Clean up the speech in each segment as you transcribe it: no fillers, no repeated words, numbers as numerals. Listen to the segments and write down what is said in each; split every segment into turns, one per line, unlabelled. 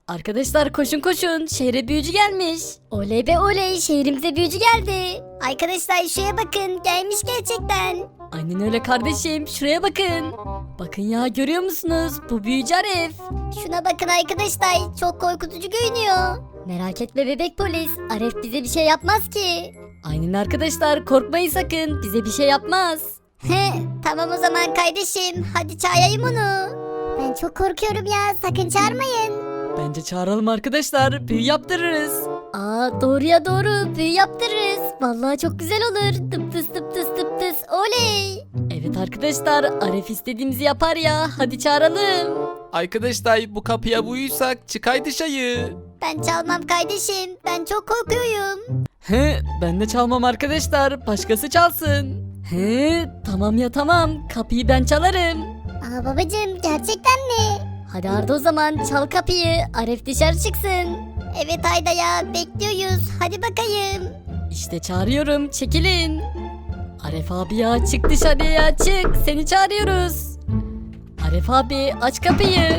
Arkadaşlar koşun koşun, şehre büyücü gelmiş.
Oley be oley, şehrimize büyücü geldi. Arkadaşlar şuraya bakın, gelmiş gerçekten.
Aynen öyle kardeşim, şuraya bakın. Bakın ya, görüyor musunuz? Bu büyücü Aref.
Şuna bakın arkadaşlar, çok korkutucu görünüyor. Merak etme bebek polis, Aref bize bir şey yapmaz ki.
Aynen arkadaşlar, korkmayın sakın, bize bir şey yapmaz.
He, tamam o zaman kardeşim, hadi çağırayım onu. Ben çok korkuyorum ya, sakın çağırmayın.
Bence çağıralım arkadaşlar, büyü yaptırırız.
Aa doğru ya doğru, büyü yaptırırız. Vallahi çok güzel olur. Tıp tıs tıp tıs tıp tıs, oley.
Evet arkadaşlar, Aref istediğimizi yapar ya, hadi çağıralım.
Arkadaşlar bu kapıya vurursak çıkay dışarı.
Ben çalmam kardeşim, ben çok korkuyorum.
He, ben de çalmam arkadaşlar, başkası çalsın. He, tamam ya tamam, kapıyı ben çalarım.
Aa babacığım, gerçekten mi? Hadi Arda o zaman çal kapıyı, Aref dışarı çıksın. Evet Ayda ya, bekliyoruz, hadi bakayım.
İşte çağırıyorum, çekilin. Aref abi ya, çık dışarıya, çık, seni çağırıyoruz. Aref abi, aç kapıyı.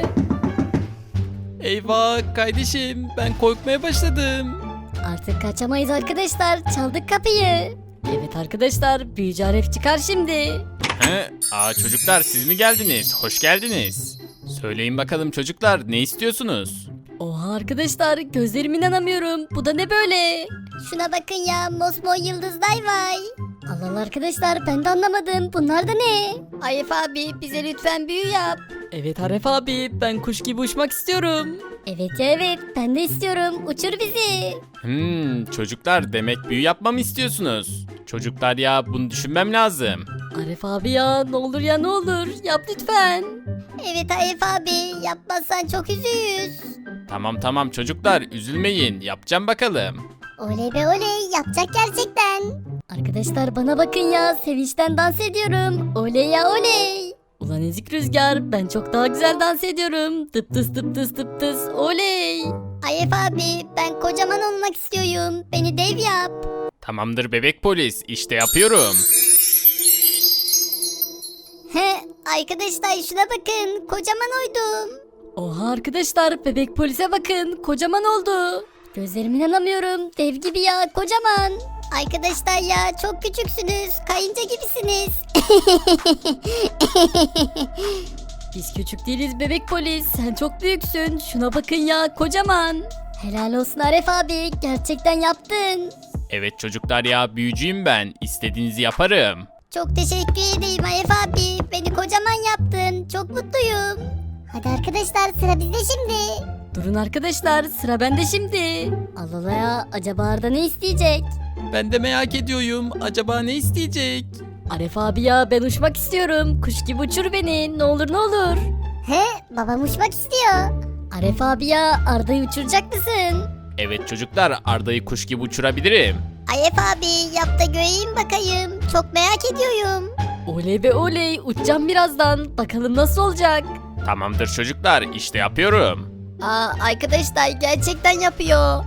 Eyvah kardeşim, ben korkmaya başladım.
Artık kaçamayız arkadaşlar, çaldık kapıyı.
Evet arkadaşlar, büyücü Aref çıkar şimdi.
Çocuklar siz mi geldiniz? Hoş geldiniz. Söyleyin bakalım çocuklar, ne istiyorsunuz?
Oha arkadaşlar, gözlerime inanamıyorum, bu da ne böyle?
Şuna bakın ya, mosmor yıldızlar var. Allah Allah arkadaşlar, ben de anlamadım, bunlar da ne?
Aref abi, bize lütfen büyü yap. Evet Aref abi, ben kuş gibi uçmak istiyorum.
Evet ya evet, ben de istiyorum, uçur bizi.
Çocuklar demek büyü yapmamı istiyorsunuz. Çocuklar ya bunu düşünmem lazım.
Aref abi ya, ne olur ya ne olur, yap lütfen.
Evet Arif abi, yapmazsan çok üzüyüz.
Tamam çocuklar üzülmeyin, yapacağım bakalım.
Oley be oley, yapacak gerçekten. Arkadaşlar bana bakın ya, sevinçten dans ediyorum. Oley ya oley.
Ulan ezik rüzgar, ben çok daha güzel dans ediyorum. Tıp tıs tıp tıs tıp tıs, oley.
Arif abi, ben kocaman olmak istiyorum. Beni dev yap.
Tamamdır bebek polis, işte yapıyorum.
He, arkadaşlar şuna bakın, kocaman oydum.
Oha arkadaşlar, bebek polise bakın, kocaman oldu.
Gözlerime inanamıyorum, dev gibi ya, kocaman. Arkadaşlar ya, çok küçüksünüz, kayınca gibisiniz.
Biz küçük değiliz bebek polis, sen çok büyüksün. Şuna bakın ya, kocaman.
Helal olsun Arif abi, gerçekten yaptın.
Evet çocuklar ya, büyücüyüm ben, istediğinizi yaparım.
Çok teşekkür ederim Arif abi, beni kocaman yaptın, çok mutluyum. Hadi arkadaşlar, sıra bizde şimdi.
Durun arkadaşlar, sıra bende şimdi.
Allah Allah ya, acaba Arda ne isteyecek?
Ben de merak ediyorum, acaba ne isteyecek?
Aref abi ya, ben uçmak istiyorum. Kuş gibi uçur beni, ne olur ne olur.
He, babam uçmak istiyor.
Aref abi ya, Arda'yı uçuracak mısın?
Evet çocuklar, Arda'yı kuş gibi uçurabilirim.
Arif abi, yap da göreyim bakayım, çok merak ediyorum.
Oley be oley, uçacağım birazdan. Bakalım nasıl olacak?
Tamamdır çocuklar, işte yapıyorum.
Aa arkadaşlar, gerçekten yapıyor.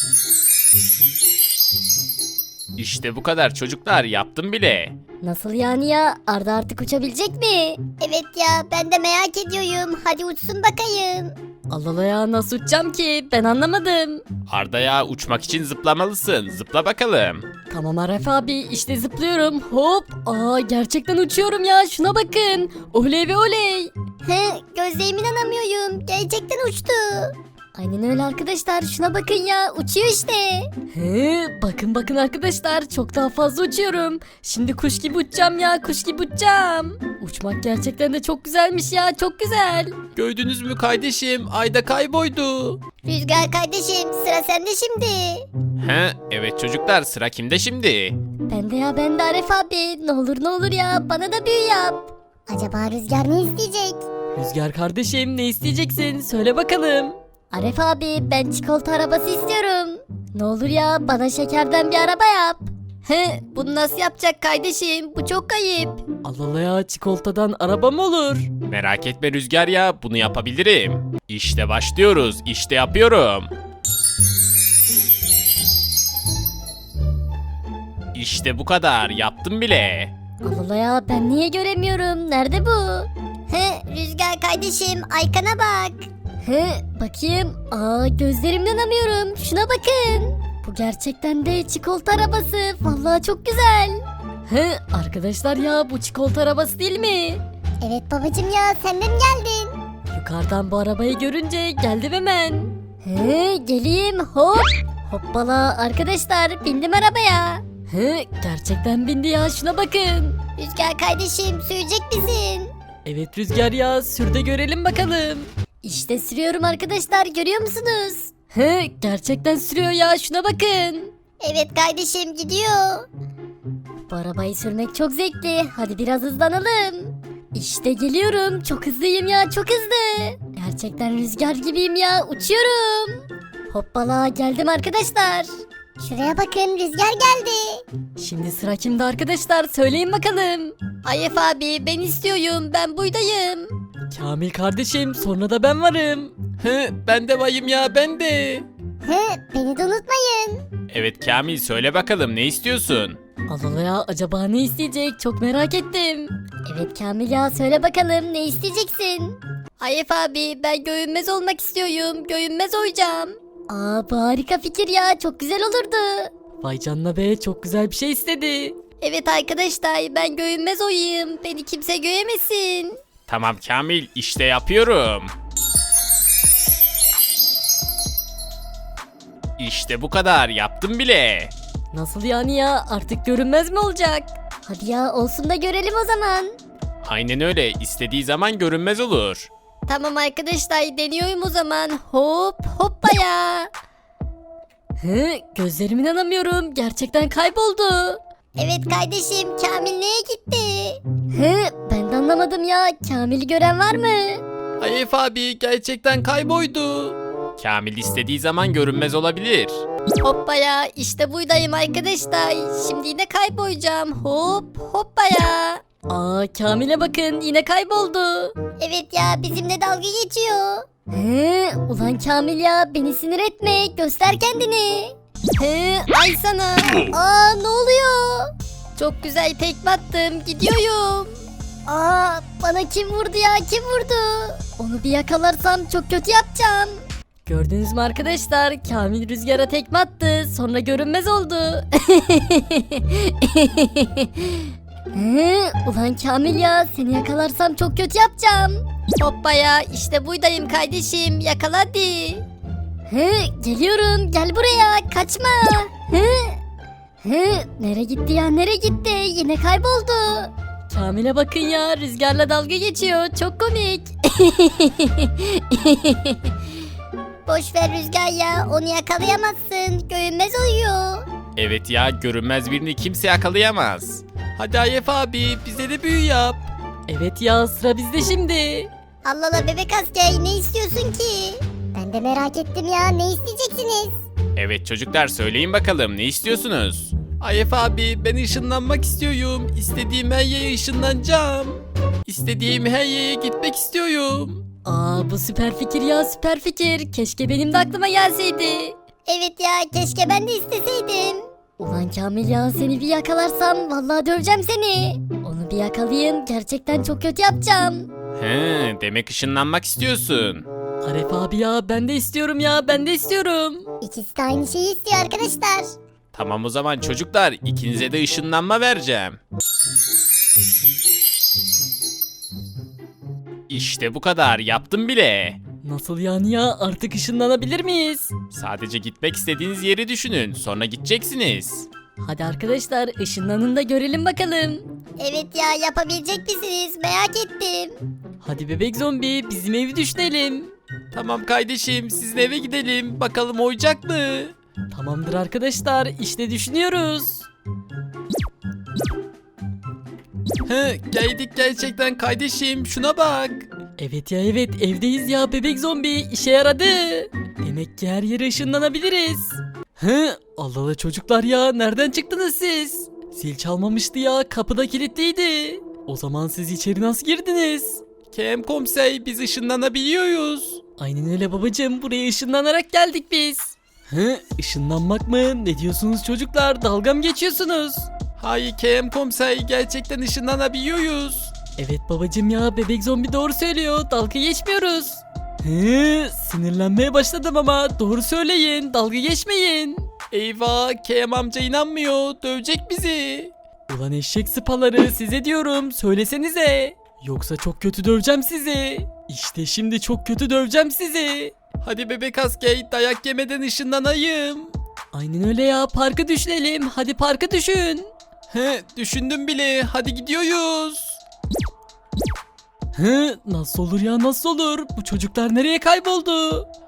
İşte bu kadar çocuklar, yaptım bile.
Nasıl yani ya, Arda artık uçabilecek mi? Evet ya, ben de merak ediyorum, hadi uçsun bakayım.
Allah Allah ya, nasıl uçacağım ki? Ben anlamadım.
Arda'ya uçmak için zıplamalısın, zıpla bakalım.
Tamam Aref abi, işte zıplıyorum. Hop. Aa gerçekten uçuyorum ya, şuna bakın. Oley be oley.
He, gözlerime inanamıyorum, gerçekten uçtu. Aynen öyle arkadaşlar, şuna bakın ya, uçuyor işte.
He, bakın bakın arkadaşlar, çok daha fazla uçuyorum. Şimdi kuş gibi uçacağım ya, kuş gibi uçacağım. Uçmak gerçekten de çok güzelmiş ya, çok güzel.
Gördünüz mü kardeşim, Ayda kayboldu.
Rüzgar kardeşim, sıra sende şimdi.
Evet çocuklar, sıra kimde şimdi?
Ben de Aref abi, ne olur ya, bana da büyü yap. Acaba Rüzgar ne isteyecek?
Rüzgar kardeşim, ne isteyeceksin? Söyle bakalım.
Aref abi, ben çikolata arabası istiyorum. Ne olur ya, bana şekerden bir araba yap.
He, bunu nasıl yapacak kardeşim? Bu çok ayıp. Allah Allah ya, çikolatadan araba mı olur?
Merak etme Rüzgar ya, bunu yapabilirim. İşte başlıyoruz, işte yapıyorum. İşte bu kadar, yaptım bile.
Allah Allah ya, ben niye göremiyorum? Nerede bu? He, Rüzgar kardeşim, arkana bak. He, bakayım. Aa, gözlerimden inanamıyorum. Şuna bakın. Bu gerçekten de çikolata arabası. Vallahi çok güzel.
He, arkadaşlar ya bu çikolata arabası değil mi?
Evet babacım ya, sen de mi geldin?
Yukarıdan bu arabayı görünce geldim hemen.
He, geleyim hop. Hoppala arkadaşlar, bindim arabaya.
He, gerçekten bindi ya, şuna bakın.
Rüzgar kardeşim, sürecek misin?
Evet Rüzgar ya, sür de görelim bakalım.
İşte sürüyorum arkadaşlar, görüyor musunuz?
He, gerçekten sürüyor ya, şuna bakın.
Evet kardeşim, gidiyor. Bu arabayı sürmek çok zevkli. Hadi biraz hızlanalım. İşte geliyorum. Çok hızlıyım ya, çok hızlı. Gerçekten rüzgar gibiyim ya, uçuyorum. Hoppala, geldim arkadaşlar. Şuraya bakın, rüzgar geldi.
Şimdi sıra kimde arkadaşlar, söyleyin bakalım.
Ayef abi, ben istiyorum, ben buydayım.
Kamil kardeşim, sonra da ben varım.
He, ben de bayım ya, ben de.
He, beni de unutmayın.
Evet Kamil, söyle bakalım, ne istiyorsun?
Allah ya, acaba ne isteyecek, çok merak ettim.
Evet Kamil ya, söyle bakalım, ne isteyeceksin? Ayef abi, ben görünmez olmak istiyorum, görünmez olacağım. Aa, bu harika fikir ya, çok güzel olurdu.
Vay canına be, çok güzel bir şey istedi.
Evet arkadaşlar, ben görünmez olayım, beni kimse göremesin.
Tamam Kamil, işte yapıyorum. İşte bu kadar, yaptım bile.
Nasıl yani ya, artık görünmez mi olacak?
Hadi ya, olsun da görelim o zaman.
Aynen öyle, istediği zaman görünmez olur.
Tamam arkadaşlar, deniyorum o zaman. Hop hoppa ya.
He, gözlerime inanamıyorum, gerçekten kayboldu.
Evet kardeşim, Kamil neye gitti? He, ben de anlamadım ya, Kamil'i gören var mı?
Ayef abi gerçekten kayboldu. Kamil istediği zaman görünmez olabilir.
Hoppa ya, işte buradayım arkadaşlar. Şimdi yine kaybolacağım. Hop hoppa ya.
Aa, Kamil'e bakın, yine kayboldu.
Evet ya, bizimle dalga geçiyor. He, ulan Kamil ya, beni sinir etme, göster kendini. He, ay sana. Aa, ne oluyor? Çok güzel tekme attım, gidiyorum. Aa, bana kim vurdu ya, kim vurdu? Onu bir yakalarsam çok kötü yapacağım.
Gördünüz mü arkadaşlar, Kamil rüzgara tekme attı, sonra görünmez oldu.
Ulan Kamil ya, seni yakalarsam çok kötü yapacağım. Hoppa ya, işte buradayım kardeşim, yakala hadi. Geliyorum, gel buraya, kaçma. Nereye gitti ya, nereye gitti, yine kayboldu.
Kamil'e bakın ya, rüzgarla dalga geçiyor, çok komik.
Boş ver Rüzgar ya, onu yakalayamazsın, görünmez oluyor.
Evet ya, görünmez birini kimse yakalayamaz. Hadi Ayef abi, bize de büyü yap.
Evet ya, sıra bizde şimdi.
Allah Allah bebek asker, ne istiyorsun ki? Ben de merak ettim ya, ne isteyeceksiniz?
Evet çocuklar, söyleyin bakalım, ne istiyorsunuz? Ayef abi, ben ışınlanmak istiyorum. İstediğim her yere ışınlanacağım. İstediğim her yere gitmek istiyorum.
Aa, bu süper fikir ya, süper fikir. Keşke benim de aklıma gelseydi.
Evet ya, keşke ben de isteseydim. Ulan Kamil ya, seni bir yakalarsam vallahi döveceğim seni. Onu bir yakalayayım, gerçekten çok kötü yapacağım.
He, demek ışınlanmak istiyorsun.
Aref abi ya, ben de istiyorum ya, ben de istiyorum.
İkisi de aynı şeyi istiyor arkadaşlar.
Tamam o zaman çocuklar, ikinize de ışınlanma vereceğim. İşte bu kadar, yaptım bile.
Nasıl yani ya, artık ışınlanabilir miyiz?
Sadece gitmek istediğiniz yeri düşünün, sonra gideceksiniz.
Hadi arkadaşlar, ışınlanın da görelim bakalım.
Evet ya, yapabilecek misiniz, merak ettim.
Hadi bebek zombi, bizim evi düşünelim.
Tamam kardeşim, sizin eve gidelim, bakalım oyacak mı?
Tamamdır arkadaşlar, işte düşünüyoruz.
He, geldik gerçekten kardeşim, şuna bak.
Evet ya, evet, evdeyiz ya bebek zombi, işe yaradı. Demek ki her yere ışınlanabiliriz. He, Allah Allah çocuklar ya, nereden çıktınız siz? Zil çalmamıştı ya, kapıda kilitliydi. O zaman siz içeri nasıl girdiniz?
Kerem komiser, biz ışınlanabiliyoruz.
Aynen öyle babacığım, buraya ışınlanarak geldik biz. He, ışınlanmak mı? Ne diyorsunuz çocuklar, dalga mı geçiyorsunuz?
Hayır Kerem komiser, gerçekten ışınlanabiliyoruz.
Evet babacığım ya, bebek zombi doğru söylüyor, dalga geçmiyoruz. Sinirlenmeye başladım ama doğru söyleyin, dalga geçmeyin.
Eyvah, Kerem amca inanmıyor, dövecek bizi.
Ulan eşek sıpaları, size diyorum, söylesenize. Yoksa çok kötü döveceğim sizi. İşte şimdi çok kötü döveceğim sizi.
Hadi bebek asker, dayak yemeden ışınlanayım.
Aynen öyle ya, parka düşünelim, hadi parka düşün.
Düşündüm bile, hadi gidiyoruz.
Nasıl olur ya, nasıl olur? Bu çocuklar nereye kayboldu?